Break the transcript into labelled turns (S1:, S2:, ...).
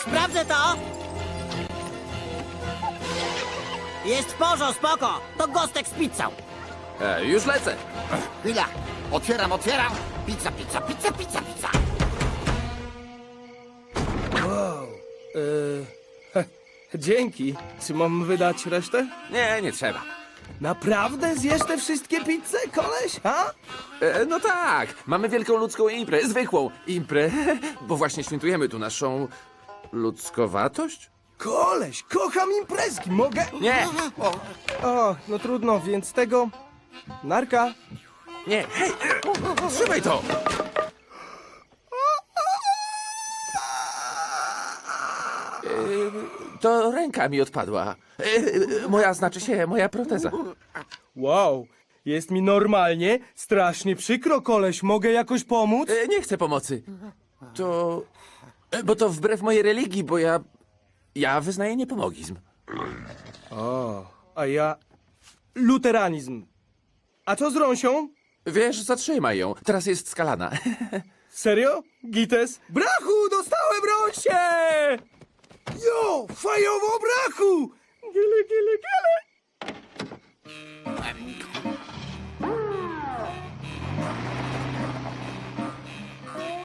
S1: Sprawdzę to! Jest w porządku, spoko! To Gostek z pizzą!
S2: Już lecę.
S3: Chwila. Otwieram. Pizza.
S4: Dzięki. Czy mam wydać resztę?
S2: Nie trzeba.
S4: Naprawdę zjesz te wszystkie pizze, koleś? Ha?
S2: No tak, mamy wielką ludzką imprę, zwykłą imprę, bo właśnie świętujemy tu naszą ludzkowatość?
S4: Koleś, kocham imprezki, mogę?
S2: Nie,
S4: O, no trudno, więc tego... Narka.
S2: nie, hej, trzymaj to! To ręka mi odpadła. Moja proteza.
S4: Wow, jest mi normalnie, strasznie przykro, koleś. Mogę jakoś pomóc?
S2: Nie chcę pomocy. Bo to wbrew mojej religii, bo ja wyznaję niepomogizm.
S4: O, a ja... Luteranizm. A co z Rąsią?
S2: Wiesz, zatrzymaj ją. Teraz jest skalana.
S4: Serio? Gites? Brachu, dostałem Rąsię! Jo, fajowo brachu! Giele.